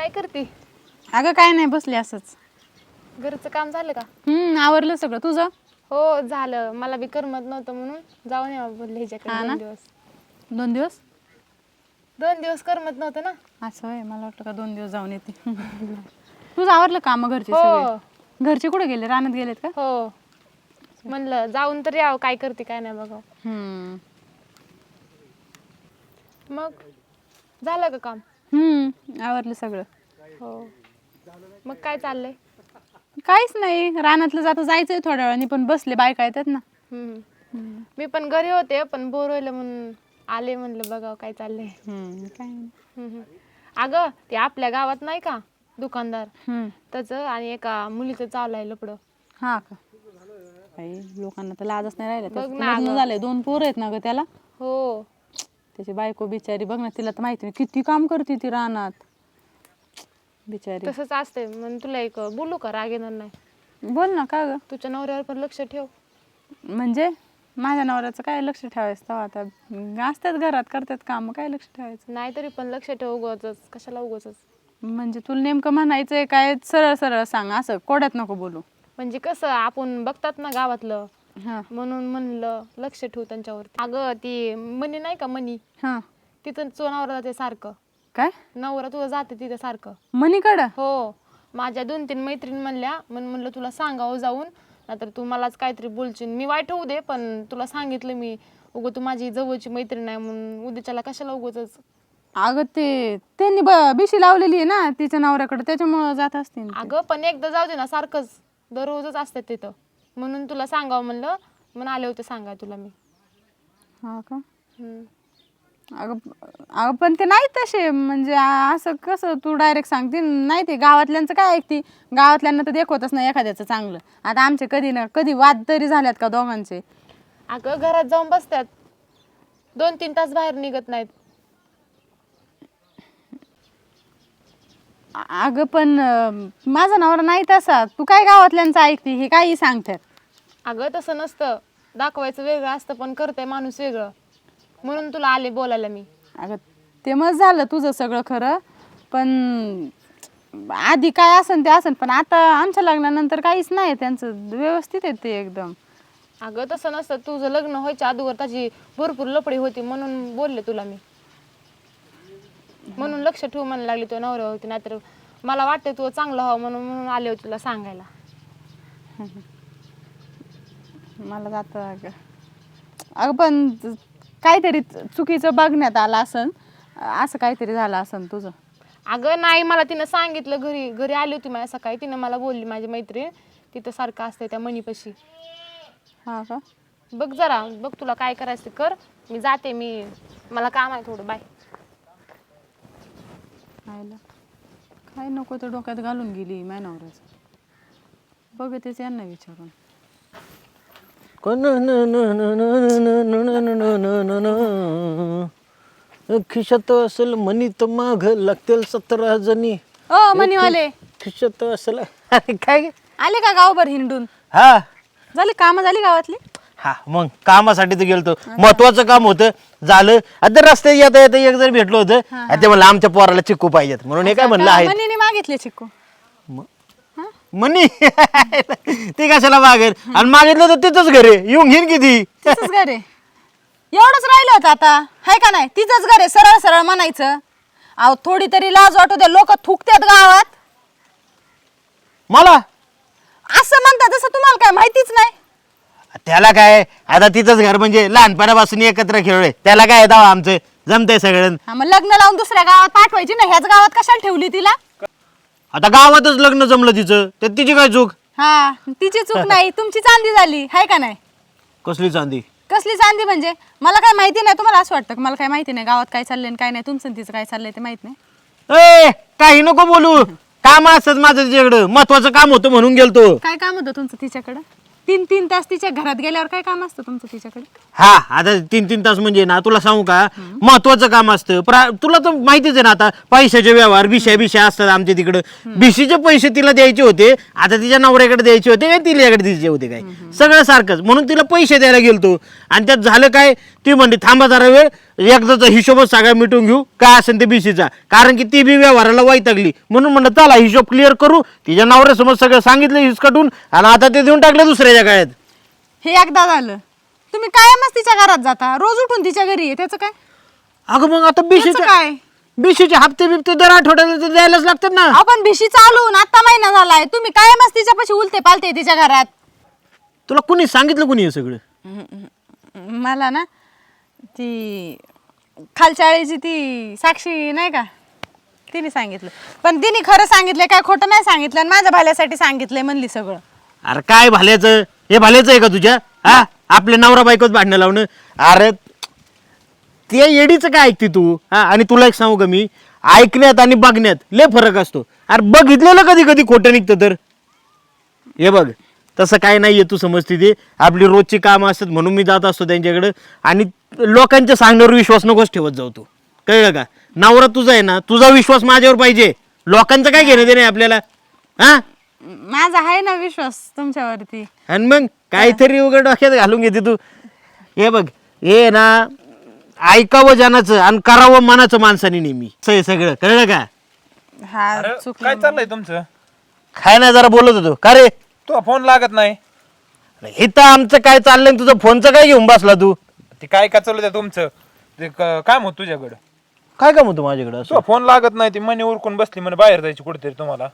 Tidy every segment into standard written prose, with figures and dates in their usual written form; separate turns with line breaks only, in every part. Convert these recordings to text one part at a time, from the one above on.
काय करते?
अगं काय नाही, बसले असंच.
घरचं काम झालं का?
आवरलं सगळं तुझं?
हो झालं. मला बी करमत नव्हतं म्हणून जाऊन यावं बोलले ह्याच्याकडे
हा ना?
2 दिवस.
2 दिवस?
2 दिवस करमत नव्हतं ना.
असं आहे, मला वाटलं का 2 दिवस जाऊन येते. तुझं आवरलं काम घरचे
हो
सगळे? घरचे कुठे गेले, रानात गेलेत का?
हो, म्हणलं जाऊन तर यावं, काय करते काय नाही बघावं. मग झालं का काम?
आवरलं सगळं.
हो. मग काय चाललंय?
काहीच नाही, रानातलं जायचंय थोड्या वेळाने, पण बसले, बायका येतात ना.
मी पण घरी होते, पण बोर व्हायला म्हणून आले, म्हणलं बघावं काय चाललंय.
काय नाही.
अगं ते आपल्या गावात नाही का दुकानदार,
हम्म.
त्याचं आणि एका मुलीचं चालू आहे लपडं.
हा का? काही लोकांना तर लाजच नाही राहिलं.
बघ
त्याचं
ना
लग्न
गं.
झालंय, 2 पोरं आहेत ना ग त्याला.
हो.
त्याची बायको बिचारी बघ ना, तिला तर माहिती नाही किती काम करते ती रानात बिचारी.
तसंच असते. म्हणून तुला एक बोलू का, राग येणार नाही?
बोल ना. का ग?
तुझ्या नवऱ्यावर पण लक्ष ठेव.
म्हणजे माझ्या नवऱ्याचं काय लक्ष ठेवायचं तेव्हा, आता असतात घरात, करतात काम, काय लक्ष ठेवायचं?
नाही तरी पण लक्ष ठेव, उगाचच कशाला उगाचच.
म्हणजे तुला नेमकं म्हणायचंय काय? सरळ सरळ सांग, असं कोड्यात नको बोलू.
म्हणजे कसं आपण बघतात ना गावातलं,
हा
म्हणून म्हणलं लक्ष ठेवू त्यांच्यावरती. अगं ती मनी नाही का, मनी,
हा.
तिथं तुझा नवरा जाते सारखं.
काय?
नवरा तुझा जाते तिथं सारखं.
मनीकडं?
हो. माझ्या 2-3 मैत्रीण म्हणल्या, म्हणलं तुला सांगावं जाऊन, नाहीतर तू मलाच काहीतरी बोलशील. मी वाईट होऊ दे, पण तुला सांगितलं मी, उगं तू माझी जवळची मैत्रीण आहे म्हणून उद्याच्याला कशाला उगाचच.
अगं त्यांनी बिशी लावलेली आहे ना तिच्या नवऱ्याकडे, त्याच्यामुळं जात असतील ते.
अगं पण एकदा जाऊ दे ना, सारखंच दररोजच असतात तिथं, म्हणून तुला सांगावं म्हणलं, म्हणून आले होते सांगाय तुला मी.
हा का? अगं पण ते नाही तसे, म्हणजे असं कसं तू डायरेक्ट सांगते नाही, ते गावातल्यांचं काय ऐकते? गावातल्यांना तर देखवतच नाही एखाद्याचं चांगलं. आता आमचे कधी ना कधी वाद तरी झाल्यात का दोघांचे?
अगं घरात जाऊन बसतात, 2-3 तास बाहेर निघत नाहीत.
अगं पण माझा नवरा नाही तसा. तू काय गावातल्यांचं ऐकते? हे काही सांगतात.
अगं तसं नसतं, दाखवायचं वेगळं असतं, पण करतंय माणूस वेगळं, म्हणून तुला आले बोलायला मी.
अगं ते मग झालं तुझं सगळं खरं, पण आधी काय असन ते असन, पण आता आमच्या लग्नानंतर काहीच नाही, त्यांचं व्यवस्थित आहे ते एकदम.
अगं तसं नसतं, तुझं लग्न व्हायच्या अगोदर त्याची भरपूर लफडी होती, म्हणून बोलले तुला मी, म्हणून लक्ष ठेवू म्हणायला लागली तुझ्या नवऱ्यावरती. नाहीतर मला वाटतं तू चांगलं व्हावं म्हणून आले होते तुला सांगायला.
मला जातं अगं पण काहीतरी चुकीचं बघण्यात आलं असन, असं काहीतरी झालं असन तुझं.
अगं नाही, मला तिनं सांगितलं, घरी आली होती माझ्या सकाळी, तिनं मला बोलली माझी मैत्रीण तिथं सारखं असते त्या मणीपाशी.
हा का?
बघ जरा, बघ तुला काय करायचं ते कर, मी जाते, मला काम आहे थोडं, बाय.
आयला काय नको तर डोक्यात घालून गेली माझ्या नवऱ्याचं. बघतेच यांना विचारून.
खिशात असेल मनी तर माग लागतील 17 जणी.
ओ मनीवाले,
खिशात असेल. अरे काय गे?
आले का गावभर हिंडून?
हा
झाली कामं झाली गावातली?
हा, मग कामासाठी तर गेलतो, महत्वाचं काम होतं, झालं. आता रस्त्यात येता येता एक जण भेटलो होतं, ते म्हणलं आमच्या पोराला चिक्कू पाहिजेत, म्हणून हे काय म्हणलं आहे
मनीने मागितले चिक्कू?
मनी. ते कशाला मागेल? आणि मागितलं तर तिथंच घरे येऊन घेईन किती.
तिचंच घर आहे, एवढंच राहिलं होतं आता, हाय का नाही? तिचंच घर आहे, सरळ सरळ म्हणायचं. अहो थोडी तरी लाज वाटू दे, लोक थुकतात गावात.
मला
असं म्हणतात तसं तुम्हाला काय माहितीच नाही?
त्याला काय, आता तिथंच घर म्हणजे लहानपणापासून एकत्र खेळलोय, त्याला काय दावा आमचं जमतंय सगळं.
हा, मग लग्न लावून दुसऱ्या गावात पाठवायची ना, ह्याच गावात कशाला ठेवली तिला?
आता गावातच लग्न जमलं तिचं, तर तिची काय चूक?
हा, तिची चूक नाही, तुमची चांदी झाली, हाय का नाही?
कसली चांदी?
कसली चांदी म्हणजे? मला काय माहिती नाही? तुम्हाला असं वाटतं मला काय माहिती नाही गावात काय चाललंय काय नाही? तुमचं तिचं काय चाललंय ते माहित नाही?
ए काही नको बोलू, काम असत माझं तिच्याकडं, महत्वाचं काम होतं म्हणून गेलतो.
काय काम होतं तुमचं तिच्याकडं? 3-3 तास तिच्या घरात गेल्यावर काय काम असतं तुमचं तिच्याकडे?
हा आता 3-3 तास म्हणजे ना तुला सांगू का महत्वाचं काम असतं तुला तर माहितीच आहे ना आता पैशाचे व्यवहार बिशा असतात आमच्या तिकडं. बिशीचे पैसे तिला द्यायचे होते, आता तिच्या नवऱ्याकडे द्यायचे होते काय तिच्याकडे द्यायचे होते काय, सगळं सारखंच. म्हणून तिला पैसे द्यायला गेलतो आणि त्यात झालं काय, ती म्हणली थांबा जरा वेळ, एकदाचा हिशोबच सगळा मिटून घेऊ काय असेल ते बिशीचा, कारण की ती बी व्यवहाराला वैतागली. म्हणून म्हणलं चला हिशोब क्लिअर करू. तिच्या नवऱ्यासमोर सगळं सांगितलं हिसकटून आणि आता ते देऊन टाकलं दुसऱ्याच्या काळात.
हे एकदा झालं. तुम्ही कायमच तिच्या घरात जाता, रोज उठून तिच्या घरी आहे, त्याचं काय?
अगं मग आता
त्याचं काय?
बिशीचे हप्ते बिप्ते दर आठवड्याला तर द्यायलाच लागतात ना.
आपण भिशी चालून आता महिना झालाय, तुम्ही कायमच तिच्यापाशी उलते पालते तिच्या घरात.
तुला कुणी सांगितलं कुणी हे सगळं?
मला ना ती खालच्या आळीची ती साक्षी नाही का, तिने सांगितलं. पण तिने खरं सांगितलंय काय खोटं नाही सांगितलं, आणि माझ्या भाल्यासाठी सांगितलंय म्हणली सगळं.
अरे काय भाल्याचं, हे भाल्याचं आहे का तुझ्या? हा आपले नवरा बायकोच भांडणं लावणं. अरे ते येडीचं काय ऐकते तू? हा आणि तुला एक सांगू का मी, ऐकण्यात आणि बघण्यात लय फरक असतो. अरे बघितलेलं कधी कधी खोटं निघतं तर. हे बघ तसं काय नाहीये, तू समजते ते आपली रोजची कामं असतात म्हणून मी जात असतो त्यांच्याकडे. आणि लोकांच्या सांगण्यावर विश्वास नकोच ठेवत जाऊ तू, कळलं का? नवरा तुझा आहे ना, तुझा विश्वास माझ्यावर पाहिजे, लोकांचं काय घेणं देणं आहे आपल्याला. हा
माझा आहे ना विश्वास तुमच्यावरती.
आणि मग काहीतरी उघड डोक्यात घालून घेते तू. हे बघ हे ना ऐकावं जनाचं आणि करावं मनाचं माणसाने नेहमी, सगळं कळलं का?
हा
अरे,
चुकलं.
काय चाललंय तुमचं?
काय नाही जरा बोलत होतो का रे?
तो फोन लागत नाही.
इथं आमचं काय चाललंय आणि तुझं फोनचं काय घेऊन बसला तू?
ते काय का चालू तुमचं? ते काम होत तुझ्याकडं.
काय काम होतं माझ्याकडे असं?
तो फोन लागत नाही, ती मनी उरकून बसली म्हणे बाहेर जायची कुठेतरी तुम्हाला.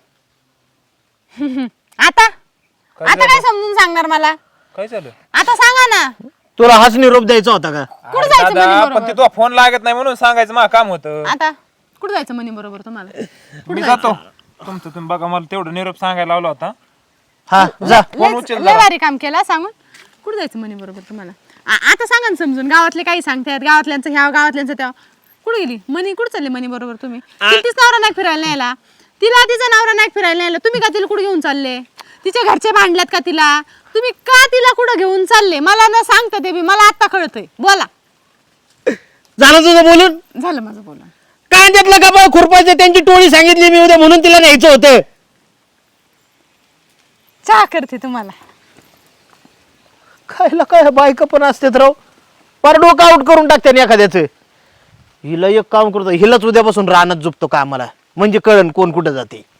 आता आता काय समजून सांगणार मला?
काय झालं?
आता सांगा ना.
तुला हाच निरोप द्यायचा होता का?
कुठं
अरे
जायचं
दादा,
म्हणे
पण ते तो फोन लागत नाही म्हणून सांगायचं मला काम होतं.
आता कुठं जायचं म्हणे बरोबर तुम्हाला?
मी जातो. तुमचं तुम्ही बघा, मला तेवढं निरोप सांगायला लावला होता.
हा जा.
फोन उचल
लय भारी काम केला सांगून. कुठं जायचं म्हणे बरोबर तुम्हाला? आता सांगा ना समजून. गावातले काही सांगतात, गावातल्यांचं ह्या गावातल्यांचं त्या. कुठं गेली मनी? कुठं चालले मनी बरोबर तुम्ही? तिला नवरा नाही फिरायला न्यायला, तिला तिचा नवरा नाही फिरायला न्यायला, तुम्ही का तिला कुठे घेऊन चालले? तिच्या घरचे भांडल्यात का तिला? तुम्ही का तिला कुठं घेऊन चालले? मला न सांगता ते बी मला आता कळतंय. बोला.
झालं तुझं बोलून?
झालं माझं बोलून.
कांद्यातलं का बा खुरपायचं, त्यांची टोळी सांगितली मी उद्या म्हणून तिला न्यायचं होतं.
चहा करते तुम्हाला.
खायला काय बायका पण असतात राव, पर डोकं आउट करून टाकते एखाद्याचं. हिला एक काम करतो, हिलाच उद्यापासून रानात झोपतो कामाला, म्हणजे कळण कोण कुठं जाते.